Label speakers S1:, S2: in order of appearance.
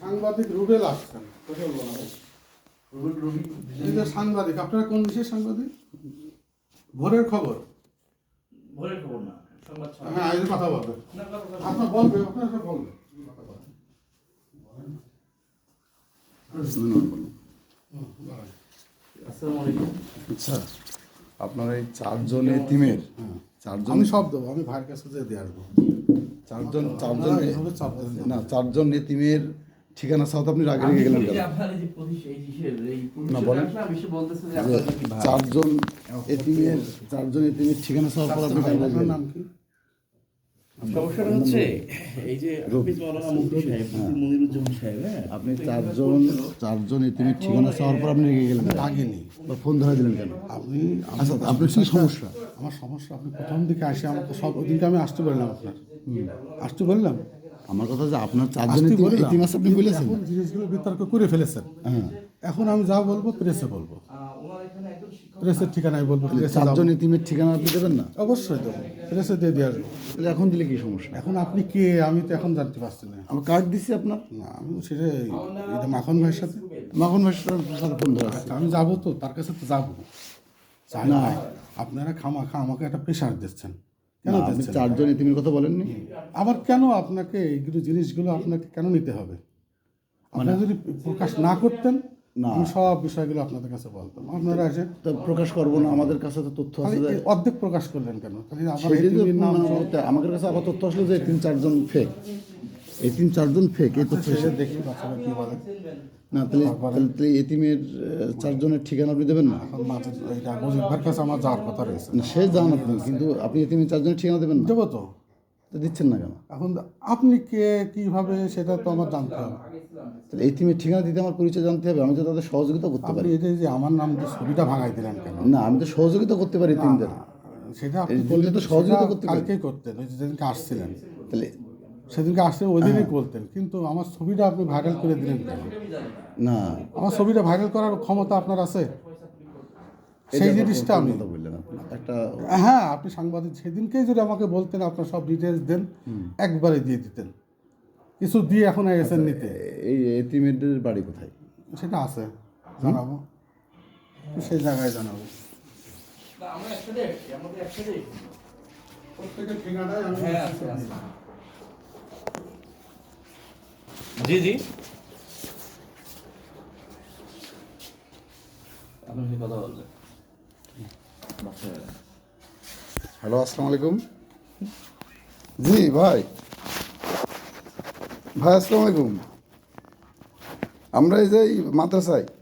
S1: সাংবাদিক রুবেল আসছেন। এই যে সাংবাদিক, আপনারা কোন বিশেষ সাংবাদিক? ভোরের খবর?
S2: ভোরের খবর না, সংবাদ।
S1: হ্যাঁ, এই যে কথা বলবেন, আপনার বলবে, আপনার সব বলবে।
S2: আসসালামু আলাইকুম।
S3: আচ্ছা, আপনার এই চারজন এতিমের চারজন,
S1: আমি সব দেবো, আমি ভাইয়ের কাছে যেয়ে দিয়ে আসবো।
S3: চারজন
S1: এইভাবে চাপ দেবেন না।
S3: না, চারজন এতিমের ঠিকানা সাথে আপনি আগে রেখে গেলেন কেন? না, বলেন। চারজন এতিমের ঠিকানা চাওয়ার পর আপনি কেন
S1: আপনার
S3: বললেন?
S1: নাম কি?
S2: সমস্যাটা হচ্ছে এই যে হাফিজ মাওলানা মুফতি সাহেব, মুফতি মনিরুজ্জামান সাহেব, হ্যাঁ,
S3: আপনি চারজন এতিমের ঠিকানা চাওয়ার পর আপনি রেখে গেলেন?
S1: আগেনি
S3: বা ফোন ধরে দিলেন কেন?
S1: আপনি
S3: আচ্ছা, আপনার কি সমস্যা?
S1: আমার সমস্যা, আপনি প্রথম দিকে আসে আমাকে সব ওদিনকে আমি আসতে বললাম, আপনার আসতে বললাম,
S3: আমার কথা যে আপনার চারজন
S1: আসতে বললাম।
S3: এতিম আছে আপনি বলেছেন।
S1: এখন জিনিসগুলো বিতর্ক করে ফেলেছেন।
S3: হ্যাঁ,
S1: এখন আমি যা বলবো প্রেসে বলবো, প্রেসের ঠিকানায় বলবো। প্রেসে
S3: চারজন
S1: যাবো।
S3: এতিমের ঠিকানা আপনি দেবেন না?
S1: অবশ্যই দেবো, প্রেসে দিয়ে আসবো।
S3: তাহলে এখন দিলে কি সমস্যা?
S1: এখন আপনি কে আমি তো এখন জানতে পারছি না।
S3: আমার কার্ড দিচ্ছি আপনার।
S1: না, আমি সেটা এটা মাখন ভাইয়ের সাথে
S3: মাখন ভাইয়ের সাথে ফোন ধরে আসছে।
S1: আমি যাবো, তো তার কাছে তো যাবো। চাই
S3: না।
S1: না, আপনারা খামাখা আমাকে একটা প্রেশার দিচ্ছেন। কেন
S3: না, আপনি
S1: দিচ্ছেন?
S3: চারজন এতিমের কথা বলেননি?
S1: আবার কেন আপনাকে এইগুলো জিনিসগুলো আপনাকে কেন নিতে হবে? আপনারা যদি প্রকাশ না করতেন,
S3: না।
S1: আমি সব বিষয়গুলো আপনাদের কাছে বলতাম। আপনারা এসে
S3: তো প্রকাশ করবো না, আমাদের কাছে তো তথ্য আছে
S1: খালি
S3: যে
S1: এই অর্ধেক প্রকাশ করলেন কেন? খালি আবার
S3: সেটাই তো
S1: এতিমের নাম
S3: আমাদের কাছে আবার তথ্য আসলো যে চারজন ফেক, চারজন ফেক। এই তথ্য
S1: সেটা দেখি বাচ্চারা কি বলে।
S3: না, তাহলে এতিমের চারজনের ঠিকানা আপনি দেবেন না?
S1: এখন মাঝে এইটা মুজিবার কাছে আমার যাওয়ার কথা রয়েছে।
S3: না, সে জান আপনি, কিন্তু আপনি এতিমের চারজনের ঠিকানা দেবেন না?
S1: দেবো তো।
S3: তো দিচ্ছেন না কেন?
S1: এখন আপনি কে, কিভাবে, সেটা তো আমার জানতে হবে।
S3: তাহলে এতিমের ঠিকানা দিতে আমার পরিচয় জানতে হবে, আমি তো তাদের সহযোগিতা করতে
S1: আপনি
S3: পারি।
S1: এটা যে আমার নাম দিয়ে ছবিটা ভাঙাই দিলেন কেন?
S3: না, আমি তো সহযোগিতা করতে পারি এতিমদের।
S1: সেটা আপনি
S3: এই
S1: বললে
S3: তো
S1: তো
S3: সহযোগিতা
S1: সেটা
S3: করতে পারি।
S1: কালকেই করতেন, ওই যে যেদিনকে আসছিলেন।
S3: তাহলে
S1: সেদিনকে আসলে ওই দিনই বলতেন, কিন্তু আমার ছবিটা আপনি ভাইরাল করে দিলেন কেন?
S3: না,
S1: আমার ছবিটা ভাইরাল করার ক্ষমতা আপনার আছে? সেই
S3: এটা
S1: জিনিসটা আমি
S3: কথা বললেন আপনি। একটা
S1: হ্যাঁ, আপনি সাংবাদিক সেদিনকেই যদি আমাকে বলতেন, আপনার সব ডিটেলস দেন, একবারে দিয়ে দিতেন। কিছু দিয়ে এখন এসেছেন নিতে,
S3: এই এতিমেদের বাড়ি কোথায়?
S1: সেটা আছে, জানাবো, সেই জায়গায় জানাবো। প্রত্যেকের ঠিকানায় আমি
S2: জি জি, আপনার সাথে কথা বলবেন।
S3: হ্যালো, আসসালামু আলাইকুম। জি ভাই, আসসালামু আলাইকুম। আমরা এই যে এই মাদ্রাসায়